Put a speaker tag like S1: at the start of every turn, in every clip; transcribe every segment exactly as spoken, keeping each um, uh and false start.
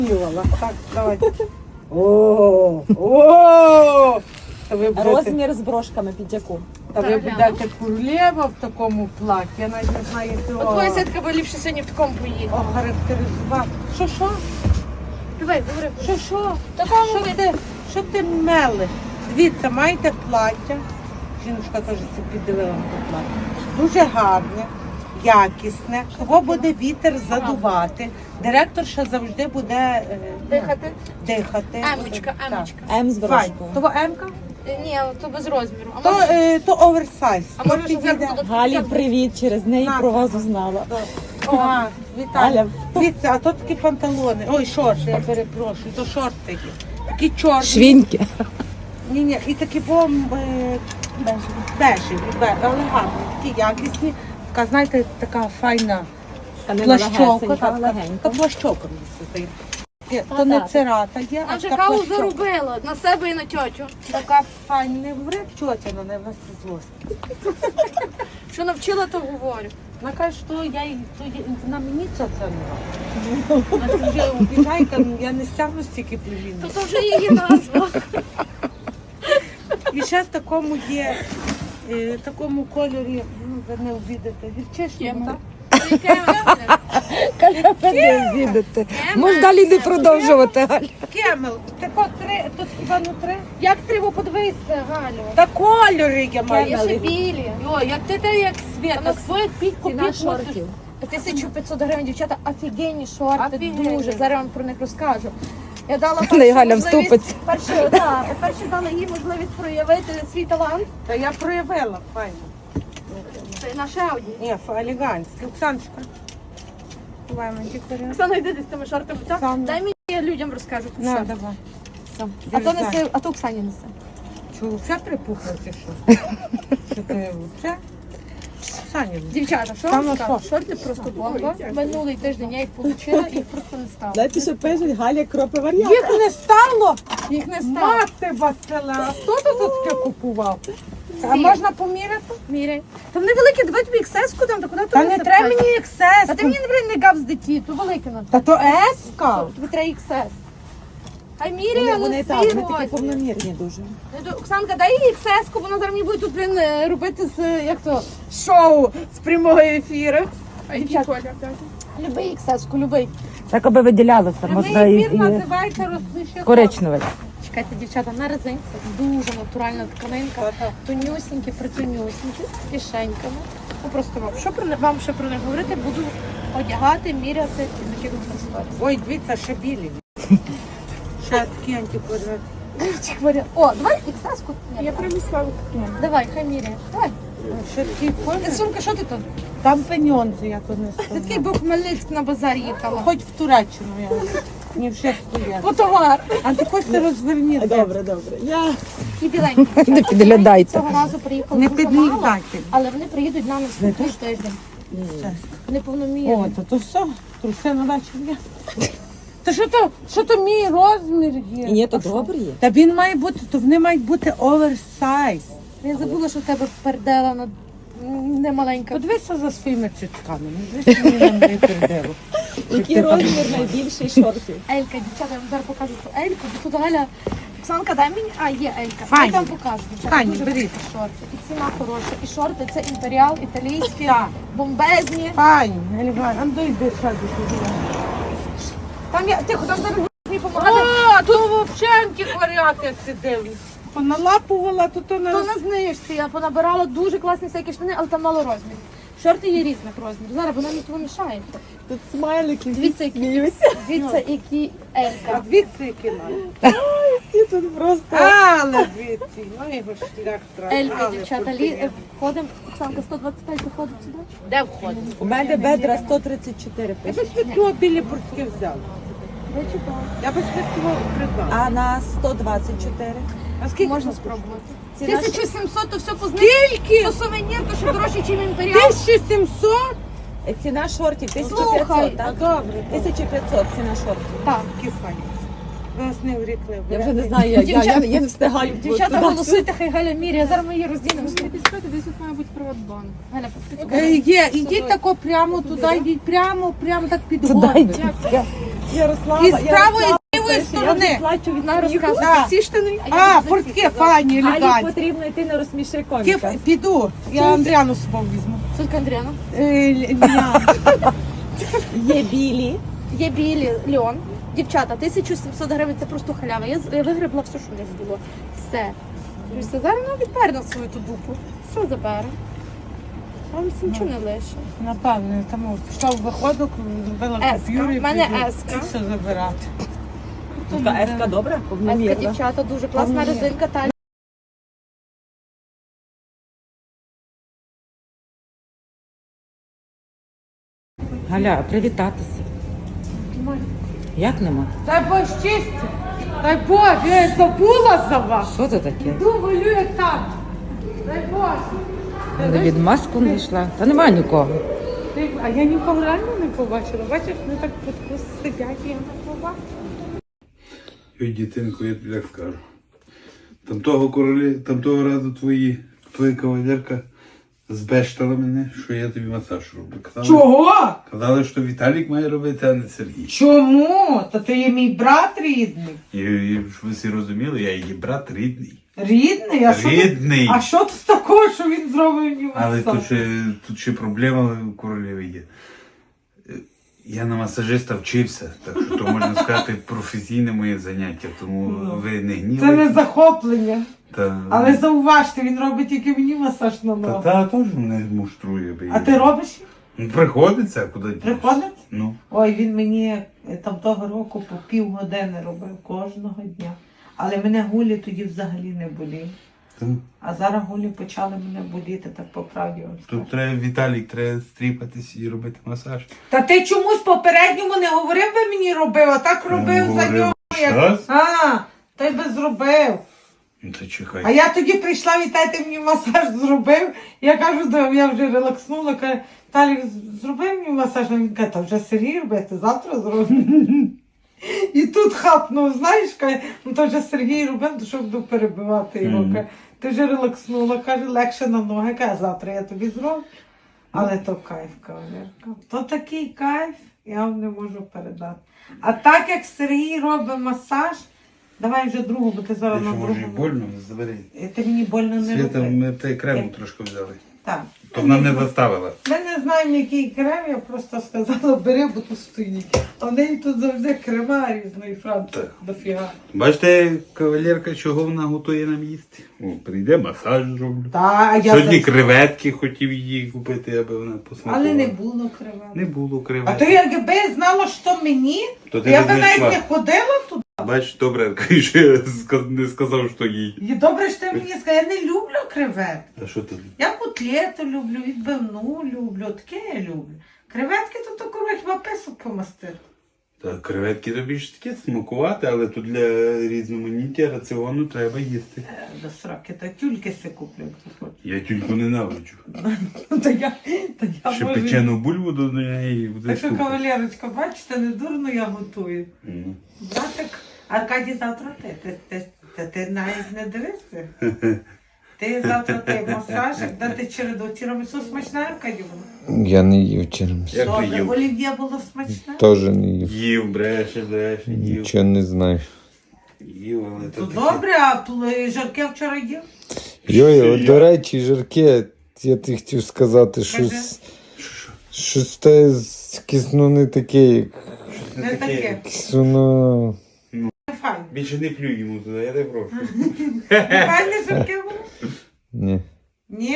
S1: Так, давай. О, о! Та ви будете,
S2: Розмір з брошками під яку?
S1: та ви будете королева в такому платі. Я навіть не знаю
S3: От
S1: цього
S3: твоя сітка би ліпше сьогодні в такому поїде.
S1: охарактеризувати. Що, що?
S3: Давай, говори.
S1: Що, що?
S3: Такому
S1: Що ти, що ти мелиш? Дивіться, маєте плаття. Жіночка теж собі дивила на плаття. Дуже гарне, якісне. Того буде вітер задувати. Директорша завжди буде е,
S3: Дихати.
S1: дихати.
S3: Емочка,
S1: Так.
S3: емочка.
S2: М з
S1: Файн.
S2: брошкою.
S1: Того Емка?
S3: Е, Ні, то без розміру. А
S1: То,
S3: може,
S1: е, то оверсайз.
S3: а
S1: То
S3: може щоб
S1: підійде.
S3: зверху до
S2: Галі, привіт, через неї
S1: На.
S2: про вас узнала.
S1: О, Віталія.
S2: Галя.
S1: Дивіться, а то такі панталони. Ой, шорти, я перепрошую, то шорти. Такі чорні.
S2: Швіньки.
S1: Ні, ні, і такі бом е, бежеві, бе- але гарні, такі якісні. Така, знаєте, така файна плащовка. Така, така плащовка мені здається. Є, То не
S2: так.
S1: цирата є,
S3: Вона
S1: а
S3: вже
S1: така
S3: каву
S1: плащовка.
S3: заробила на себе і на тьотю.
S1: Така файна, не говори тьотя, але не в нас це злость.
S3: Що навчила, то говорю.
S1: Вона каже, що я, їй- то я, вона мені це це не робить. Вона вже обіжає, там, я не стягну стільки
S3: То
S1: племіння.
S3: то вже її назва.
S1: І ще в такому є, е, такому кольорі, ну, ви не обідете, гірчишному, так?
S3: Яке вона?
S2: Не відати. Може далі не продовжувати, Галя.
S1: Кемел, тако три, тут хіба не три?
S3: Як треба подивитися, Галю?
S1: Та кольори я
S3: Є
S1: маю.
S3: ще білі.
S1: Йо, як ти те, як світ,
S3: Вона
S1: світ під
S2: Ціна шортів.
S3: тисяча п'ятсот гривень, дівчата, офігенні шорти,
S1: Офігенні.
S3: дуже. Зараз вам про них розкажу. Я дала
S2: Не,
S3: першу
S2: Галя
S3: можливість,
S2: вступиться.
S3: перше, да, перше дала їй можливість проявити свій талант.
S1: Та я проявила, файно.
S3: Це наша одні.
S1: Ні, елегантське. Оксаночка. Давай мені кольори.
S3: Оксана, йди десь з тими шортами. так?
S1: Сам.
S3: Дай мені, я людям розкажу. про
S1: На,
S3: що.
S1: давай.
S3: А то несе, а то Оксані несе.
S1: Чого, все припухло чи що? Що ти вже? Саня,
S3: Дівчата, що
S1: Там
S3: вам
S1: на
S3: скажу?
S1: що?
S3: Шорти просто бомба. Минулий тиждень я їх отримала і їх просто не стало.
S2: Знаєте, що пишуть, Галя кропи варіант.
S1: їх не стало?
S3: Їх не стало.
S1: Мати Васила, а хто тут таке купував? А
S3: Всі.
S1: можна поміряти?
S3: Міряй. Та вони великі, давай тобі ексеску там, та куди
S1: Та не треба мені ексес.
S3: А ти мені не бери не гав з диті, то велике на
S1: Та то еска.
S3: тобі треба іксес. Хай
S2: Вони,
S3: міряє,
S2: вони
S3: але
S2: так,
S3: свій
S2: вони такі
S3: розмір.
S2: повномірні дуже.
S3: Ну, то, Оксанка, дай їй іксеску, вона зараз мені буде тут блин, е, робити з, е, як то, шоу з прямого ефіру. А який колір? Любий іксеску, любий.
S2: Так аби виділялося,
S1: Прямий ефір називається розлище.
S2: коричневий.
S3: Чекайте, дівчата, на резинці дуже натуральна тканинка,
S1: Та-та.
S3: тонюсінькі, притонюсінькі, з кишеньками. Ну просто вам, що про них- вам ще про них говорити, буду одягати, міряти і закидувати в сторіс.
S1: Ой, дивіться, ще білі. Ще такі антикваріати.
S3: Ці хворі- О, давай іксеску. Я принесла. Давай, хай міряє. Давай.
S1: Ще такі
S3: Е,
S1: форми.
S3: Сумка, що ти тут?
S1: Там пеньонзи, я тут не
S3: Ти такий
S1: сказала.
S3: був Хмельницьк на базар їхала.
S1: Хоч в Туреччину я. Не вже стоять.
S3: По товар.
S1: А ти хоч ти розверніть.
S2: Добре, добре. Я...
S3: І біленькі.
S2: Не підглядайте.
S3: Цього разу приїхали
S1: Не
S3: дуже мало,
S1: підглядайте.
S3: але вони приїдуть на наступний тиждень. Вони повномірні.
S1: О, то то все. Труси на вечір є. Та що то, що то мій розмір є?
S2: Ні, то
S1: А що?
S2: добре є.
S1: Та він має бути, то вони мають бути оверсайз.
S3: Я забула, що в тебе пердела на не маленька.
S1: Подивися за своїми цицьками. Не дивися мені на моє пердело.
S2: Який розмір найбільший шортів?
S3: Елька, дівчата, я вам зараз покажу цю Ельку. Бо тут Галя, Оксанка, дай мені. А, є Елька.
S1: Файні.
S3: Я вам покажу. Дівчата,
S1: Файні,
S3: дуже
S1: беріть.
S3: великі шорти. І ціна хороша. І шорти це імперіал, італійські,
S1: Так.
S3: бомбезні.
S1: Пані, елегантно. А ну йди ще до сюди.
S3: Там я, тихо, там зараз мені допомагати.
S1: О, тут взагалі антикваріат, як ти дивишся. Поналапувала, то то не
S3: То на знижці я понабирала дуже класні всякі штани, але там мало розмірів. Шорти є різних розмірів. Зараз вона мені того мішає.
S2: Тут смайлики,
S3: Дивіться, які, дивіться, які
S1: А
S3: Елька.
S1: звідси які мають.
S2: і тут просто...
S1: Але звідси, ну його шлях трапив.
S3: Елька, дівчата, лі... е, входимо. Оксанка, сто двадцять п'ять виходить сюди.
S1: Де входить?
S2: У мене бедра сто тридцять чотири
S1: Я
S2: пише.
S1: би світло білі буртки взяла.
S3: Ви читали.
S1: Я би світло придбала.
S2: А на сто двадцять чотири?
S1: А скільки
S3: Можна
S1: це
S3: спробувати.
S2: Ціна
S3: тисяча сімсот, то все по знижці.
S1: Скільки?
S3: То сувенір, то ще дорожче, ніж імперіал.
S1: тисяча сімсот?
S2: Е, Ціна шортів тисяча
S3: Слухай,
S2: п'ятсот, так?
S1: Добре.
S2: тисяча п'ятсот ціна шортів.
S3: Так.
S1: Такі файні. Ви нас не врікли.
S2: Я вже не знаю, я, я, я, я не встигаю.
S3: Дівчата,
S2: туди.
S3: голосуйте, хай Галя міряє. Зараз ми її розділимо.
S4: Підскати, десь тут має бути Приватбанк.
S3: Галя,
S1: Е, Є, ідіть тако прямо туди, йдіть прямо, прямо так під
S2: Туди
S1: горби.
S2: йдіть. Я- Ярослава,
S1: І з правої, і з лівої сторони.
S2: плачу від
S3: На
S2: сміху.
S3: розказуй
S1: Да.
S3: ці штани. я
S1: А,
S3: буду за
S1: портки
S3: ці
S1: файні,
S2: Алі
S1: елегантні.
S2: потрібно йти на розсміши
S1: Ті-
S2: коміка.
S1: Піду, я Андріану з собою візьму.
S3: Сутка Андріана.
S1: Е, Ліана.
S2: Є білі.
S3: Є білі льон. Дівчата, тисяча сімсот гривень це просто халява. Я, з- я вигребла все, що в них було. Все. І все. Зараз вона відпере на свою ту дупу. Все забере. Вам всі нічого не лише.
S1: Напевно, тому пішла в виходок, зробила
S3: Еска.
S1: купюру і
S3: В мене
S1: піду.
S3: еска.
S1: І все забирати.
S2: Така еска добра,
S3: Еска,
S2: повномірна.
S3: дівчата, дуже класна
S1: Повномірна.
S3: резинка. Та
S5: Галя, привітатися. Як нема?
S1: Дай Бог щастя, дай Бог, я забула за вас.
S5: Що це таке?
S1: Йду, малюю там. Дай Бог.
S5: Але від маску не йшла. Та немає нікого.
S1: Ти- А я нікого реально не побачила. Бачиш, вони так от сидять, і я не побачила.
S6: Ой, дітинку, я тобі так скажу. Там того королі, там того разу твої, твоя кавалерка збештала мене, що я тобі масаж роблю. Казали,
S1: Чого?
S6: казали, що Віталік має робити, а не Сергій.
S1: Чому? Та ти є мій брат рідний.
S6: І, і щоб ви всі розуміли, я її брат рідний.
S1: Рідний? А що тут-
S6: Рідний!
S1: А що тут такого, що він зробив мені
S6: Але
S1: масаж?
S6: тут ще, тут ще проблема у королеви є. Е, Я на масажиста вчився, так що то можна сказати професійне моє заняття, тому ви не
S1: Це
S6: гнівайте.
S1: не захоплення.
S6: Та,
S1: Але зауважте, він робить тільки мені масаж на
S6: та,
S1: ногу.
S6: та теж мене муштрує. би
S1: А
S6: я.
S1: ти робиш?
S6: Ну, приходиться, куди дінешся.
S1: Приходить?
S6: Ну.
S1: Ой, він мені е, там того року по півгодини робив кожного дня. Але мене гулі тоді взагалі не болів.
S6: Та,
S1: А зараз гулі почали мене боліти, так по правді вам скажу.
S6: тут треба, Віталік, треба стріпатись і робити масаж.
S1: Та ти чомусь попередньому не говорив, би мені робив, а так робив
S6: Ну,
S1: за
S6: говорив.
S1: нього. Як...
S6: Щас?
S1: А, той би зробив.
S6: Ну, то чекай.
S1: А я тоді прийшла, Вітай, ти мені масаж зробив. Я кажу, да, я вже релакснула, каже, Талік, зроби мені масаж. А він каже, та вже Сергій робити, завтра зроблю. І тут хапнув, знаєш, каже, ну то вже Сергій робив, то що буду перебивати його.
S6: Мгм.
S1: Каже, ти вже релакснула, каже, легше на ноги, каже, завтра я тобі зроблю. Але то кайф, кавалерка. То такий кайф, я вам не можу передати. А так як Сергій робить масаж, давай вже другу, бо ти
S6: Ти
S1: зараз
S6: що,
S1: на
S6: може, і
S1: другу.
S6: больно? Забери.
S1: Е, Ти мені больно не
S6: Свята,
S1: роби.
S6: ми те крему трошки взяли.
S1: Так.
S6: То вона не заставила.
S1: Ми не знаємо, який крем, я просто сказала, бери, бо тут стоїть. А в неї тут завжди крема різної франції
S6: Так.
S1: дофіга.
S6: Бачите, кавалерка, чого вона готує нам їсти? О, прийде, масаж зроблю.
S1: Та, а я
S6: Сьогодні
S1: за-
S6: креветки хотів її купити, аби вона посмакувала.
S1: Але не було крема.
S6: Не було
S1: А
S6: креветок.
S1: то якби я знала, що мені,
S6: То
S1: то
S6: ти
S1: я би
S6: не
S1: навіть
S6: знайшла.
S1: не ходила туди.
S6: Бач, добре, що я сказ- не сказав, що їй.
S1: І добре, що ти мені сказала, я не люблю креветки.
S6: Та що ти?
S1: Я котлету люблю, відбивну люблю, таке я люблю. Креветки то тако хіба писок помастити.
S6: Та креветки тобі ж таке смакувати, але тут для різноманіття раціону треба їсти.
S1: Е, До сроки, та тюльки си куплю, як ти хочеш.
S6: Я тільки ненавиджу.
S1: Та я, та я
S6: Ще
S1: можу-
S6: печену бульву до неї буде
S1: Так що,
S6: супер.
S1: кавалерочка, бачите, не дурно я готую.
S6: Ну.
S1: Братик, Аркадій завтра ти. Ти, ти, ти, ти навіть не дивишся. Ти завтра ти масажик, дати череду. Тірамісу смачна, Аркадій, було?
S7: Я не їв через.
S6: Як ти
S1: Добре,
S6: їв?
S1: олів'є було смачне?
S7: Теж не їв.
S6: Їв, бреше, бреше, їв.
S7: Нічого не знаю.
S6: Їв, але
S1: То
S6: то таке.
S1: добре, а пл- жарке вчора їв?
S7: Йой, от, до речі, Жарке, я ти хотів сказати, щось, щось те з- якесь, ну не таке, як
S1: Не таке.
S7: якесь воно.
S1: Не файне.
S6: Більше не плюй йому туди, я тебе прошу.
S1: Не файне жарке було?
S7: Ні.
S1: Ні?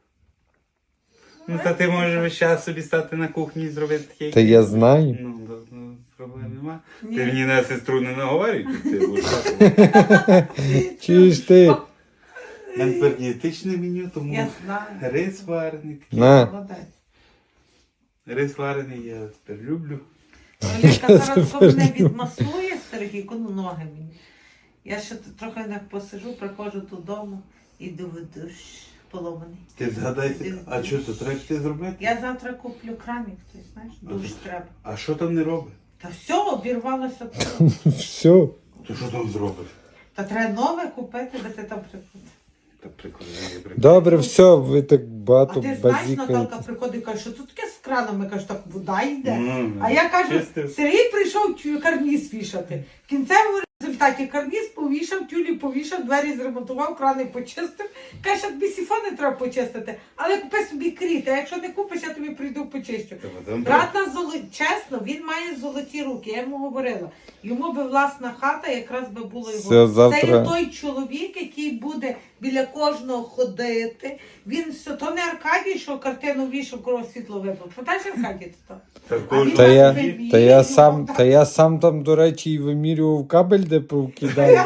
S6: Ну та ти можеш весь час собі стати на кухні і зробити таке.
S7: Та я знаю.
S6: Ну, то, ну, проблем нема.
S1: Ні.
S6: Ти мені на сестру не наговорюй, тут ти будеш так.
S7: Чуєш ти?
S6: У мене тепер дієтичне меню, тому
S1: Я знаю.
S6: рис варений.
S7: На.
S1: Молодець.
S6: Рис варений я тепер люблю.
S1: Олега зараз коли мене відмасує Сергійко, ну ноги мені. Я ще тут трохи не посижу, приходжу додому і доведу поломаний.
S6: Ти згадайся, а що то треба ти зробити?
S1: Я завтра куплю крамік, ти знаєш, дуже треба.
S6: А що там не робить?
S1: Та все, обірвалося.
S7: Все.
S6: То що там зробиш?
S1: Та треба нове купити, де ти там прикупити.
S6: Та прикольно, я прикольно.
S7: Добре, все, ви так
S1: А
S7: багато
S1: ти знаєш, Наталка
S7: базікаєте.
S1: приходить і каже, що тут таке з кранами, каже, так вода йде.
S6: Ну,
S1: А я кажу,
S6: чистив.
S1: Сергій прийшов тю- карніз вішати. В кінцевому результаті карніз повішав, тюлі повішав, двері зремонтував, крани почистив. Каже, що тобі сіфони треба почистити, але купи собі кріт, а якщо не купиш, я тобі прийду почищу.
S6: Та потім
S1: Брат на золо... чесно, він має золоті руки, я йому говорила. Йому би власна хата, якраз би було його.
S7: Все, завтра-
S1: Це є той чоловік, який буде біля кожного ходити. Він все, то не Аркадій, що картину вішав, коли світло вибив. Пам'ятаєш Аркадій то?
S6: Та
S1: А
S6: кожен-
S1: він
S7: Та я,
S1: вимірював,
S7: та я сам,
S1: так.
S7: та я сам там, до речі, і вимірював кабель, де повкидаю.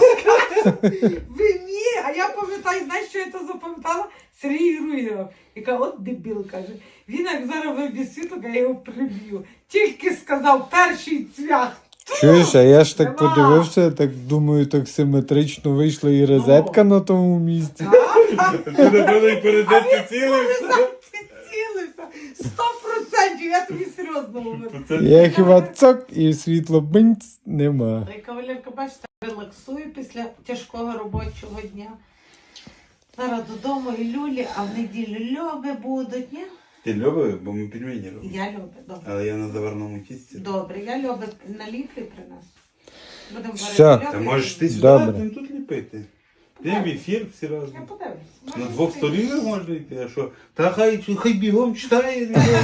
S1: Ви ні, а я пам'ятаю, знаєш, що я то запам'ятала? Сергій Руйгеров. Яка от дебіл, каже. Він як зараз виб'є світло, я його приб'ю. Тільки сказав перший цвях.
S7: Чуєш, а я ж так
S1: Нема.
S7: подивився, я так думаю, так симетрично вийшла і розетка на тому місці.
S6: Ти напевно і перед цим цілився.
S1: Ти цілився. Сто процентів, я тобі серйозно говорю.
S7: Я хіба цок і світло бинць нема.
S1: Та й кавалерка, бачите, релаксує після тяжкого робочого дня. Зараз додому і люлі, а в неділю льоби будуть, ні?
S6: Ти любиш, бо ми пельмені робимо.
S1: Я люблю, добре.
S6: Але я на заварному тісті.
S1: Добре, я люблю наліплю принесу. Будемо
S7: Все.
S1: варити
S6: Та
S1: льоби.
S6: можеш ти сюди,
S7: Добре.
S6: ти тут ліпити. Ти в ефір всі разом.
S1: Я подивлюсь.
S6: На двох сторінах можна йти, а що? Та хай, хай бігом читає.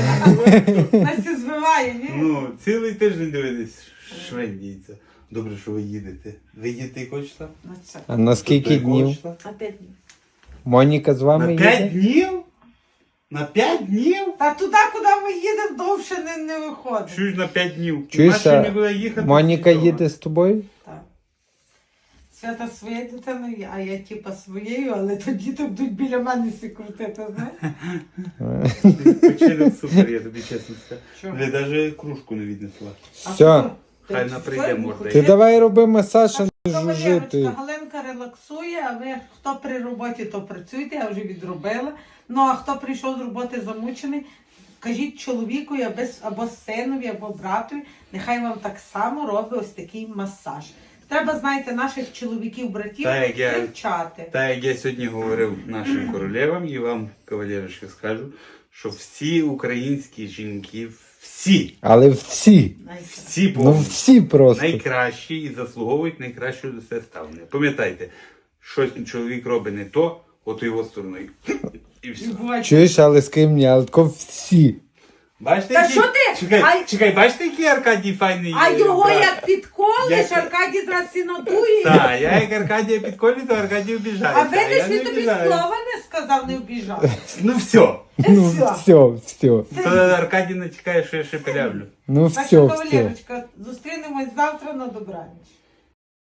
S1: Настя збиває, ні?
S6: Ну, цілий тиждень дивитись, швендіється. Добре, що ви їдете. Ви їдете якого числа?
S1: На це.
S7: А на скільки
S6: Тобто якого
S7: днів?
S6: числа?
S1: На п'ять днів.
S7: Моніка з вами
S6: На
S7: їде?
S6: п'ять днів? На п'ять днів?
S1: Та туди, куди ми їдемо, довше не, не виходить.
S6: Чуєш на п'ять днів.
S7: Чуєш,
S6: Наші
S7: а
S6: нікуди їхати.
S7: Моніка
S6: нічого.
S7: їде з тобою?
S1: Так. Свята своєю дитиною, а я типа своєю, але то діти будуть біля мене всі крутити, знаєш?
S6: Вечеря супер, я тобі чесно скажу.
S1: Що?
S6: Ви навіть кружку не віднесла.
S1: А
S7: Все.
S1: що?
S6: Хай
S1: Ти
S6: на
S1: все
S6: прийде
S1: не
S6: морда.
S1: хочеш?
S7: Ти давай роби масаж, а не
S1: Кавалерочка,
S7: жужити.
S1: Галенка релаксує, а ви хто при роботі, то працюйте, я вже відробила. Ну а хто прийшов з роботи замучений, кажіть чоловікові або, або синові, або братові, нехай вам так само робить ось такий масаж. Треба, знаєте, наших чоловіків, братів
S6: Так, як я-
S1: привчати.
S6: Так як я сьогодні говорив нашим королевам і вам, кавалерочки, скажу, що всі українські жінки, всі,
S7: Але всі,
S1: Знаєте.
S6: всі
S7: ну
S6: повністю
S7: всі просто.
S6: найкращі і заслуговують найкращого до себе ставлення. Пам'ятайте, щось чоловік робить не то, от його стороною. І все.
S1: І буває,
S7: Чуєш, але з ким ні, але тако всі.
S6: Бачите,
S1: Та
S6: який-
S1: що ти?
S6: Чекай,
S1: А-
S6: чекай, бачите, який Аркадій файний
S1: А
S6: е,
S1: його
S6: брат?
S1: як підколиш,
S6: Як-
S1: Аркадій зразу сінотує.
S6: Так, я як Аркадія підколю, то Аркадій обіжається.
S1: А видиш,
S6: я
S1: він
S6: не
S1: тобі
S6: обіжаюсь.
S1: слова не сказав, не обіжав.
S6: Ну все.
S7: Ну
S1: Все.
S7: все, все.
S6: То Аркадій не чекає, що я ще пилявлю.
S7: Ну
S1: Так
S7: все,
S1: що,
S7: все.
S1: кавалерочка, зустрінемось завтра на добраніч.